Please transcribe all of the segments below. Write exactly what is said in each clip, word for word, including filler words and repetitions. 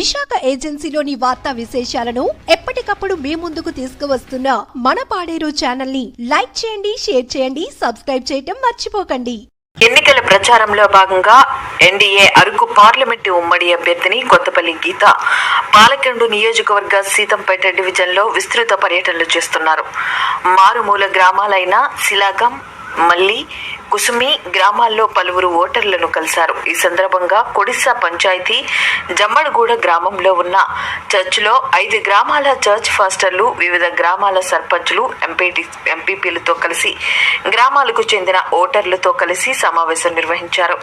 విశాఖ ఏజెన్సీలోని వార్తా విశేషాలను ఎప్పటికప్పుడు మీ ముందుకు తీసుకువస్తున్న మన పాడేరు ఛానల్ ని లైక్ చేయండి, షేర్ చేయండి, సబ్స్క్రైబ్ చేయటం మర్చిపోకండి. ఎన్నికల ప్రచారంలో భాగంగా ఎన్డీఏ అరకు పార్లమెంటు ఉమ్మడి అభ్యర్థిని కొత్తపల్లి గీత పాలకొండ నియోజకవర్గ సీతంపేట డివిజన్లో విస్తృత పర్యటనలు చేస్తున్నారు. మారుమూల గ్రామాలైన శిలాగం, మల్లి, కుసుమి గ్రామాల్లో పలువురు ఓటర్లను కలిశారు. ఈ సందర్భంగా కొడిసా పంచాయతీ జమ్మడగూడ గ్రామంలో ఉన్న చర్చిలో ఐదు గ్రామాల చర్చ్ ఫాస్టర్లు, వివిధ గ్రామాల సర్పంచులు, ఎంపీటీ ఎంపీపీలతో కలిసి గ్రామాలకు చెందిన ఓటర్లతో కలిసి సమావేశం నిర్వహించారు.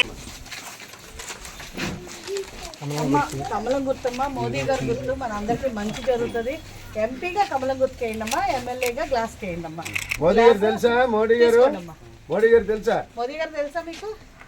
కమలం గుర్తమ్మ, మోదీ గారు గుర్తు మన అందరికి మంచి జరుగుతుంది. ఎంపీగా కమలం గుర్తుకి వేయండమ్మా, ఎమ్మెల్యేగా గ్లాస్ కి వేయండమ్మా. మోదీ గారు తెలుసా? మోడీ గారు మోడీ గారు తెలుసా? మోదీ గారు తెలుసా మీకు?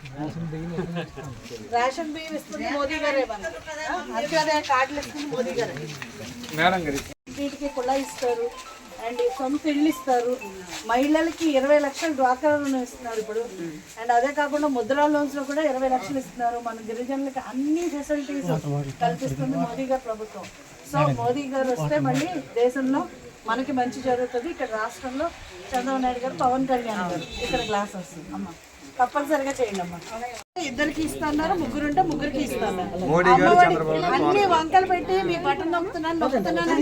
రేషన్ బియ్యం ఇస్తుంది మోదీ గారే, అంత్యోదయ కార్డులు ఇస్తుంది మోదీ గారు. వీటికి కుళా ఇస్తారు అండ్ సొంత ఇళ్ళు ఇస్తారు. మహిళలకి ఇరవై లక్షలు డ్వాక్రా రుణం ఇస్తున్నారు ఇప్పుడు. అండ్ అదే కాకుండా ముద్రా లోన్స్ లో కూడా ఇరవై లక్షలు ఇస్తున్నారు. మన గిరిజనులకి అన్ని ఫెసిలిటీస్ కల్పిస్తుంది మోదీ గారు ప్రభుత్వం. సో మోదీ గారు వస్తే మళ్ళీ దేశంలో మనకి మంచి జరుగుతుంది. ఇక్కడ రాష్ట్రంలో చంద్రబాబు నాయుడు గారు, పవన్ కళ్యాణ్ గారు ఇక్కడ గ్లాస్ వస్తుంది అమ్మ, తప్పనిసరిగా చేయండి అమ్మా. ఇద్దరికి ఇస్తున్నారు, ముగ్గురు ఉంటే ముగ్గురికి ఇస్తున్నారు. అన్ని వంకలు పెట్టి మీ బటన్ నొక్కుతున్నాను నొక్కుతున్నాను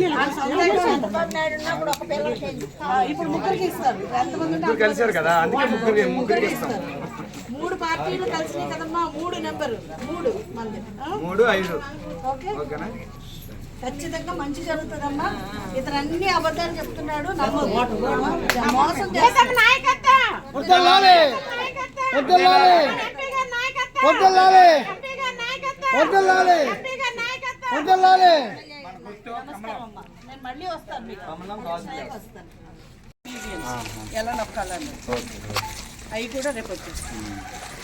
ఇప్పుడు ముగ్గురికి ఇస్తారు. ఎంతమంది కలిసారు కదా, ముగ్గురికి ఇస్తారు. మూడు పార్టీలు కలిసినాయి కదమ్మా, మూడు నెంబరు మూడు మంది మూడు ఐదు. ఓకే, ఖచ్చితంగా మంచి జరుగుతుందమ్మా. ఇతను అన్ని అబద్ధాలు చెప్తున్నాడు, మోసం చేస్తాడు. నేను మళ్ళీ వస్తాను మీకు, వస్తాను ఎలా నొక్కాలని అవి కూడా రేపు వచ్చేస్తాను.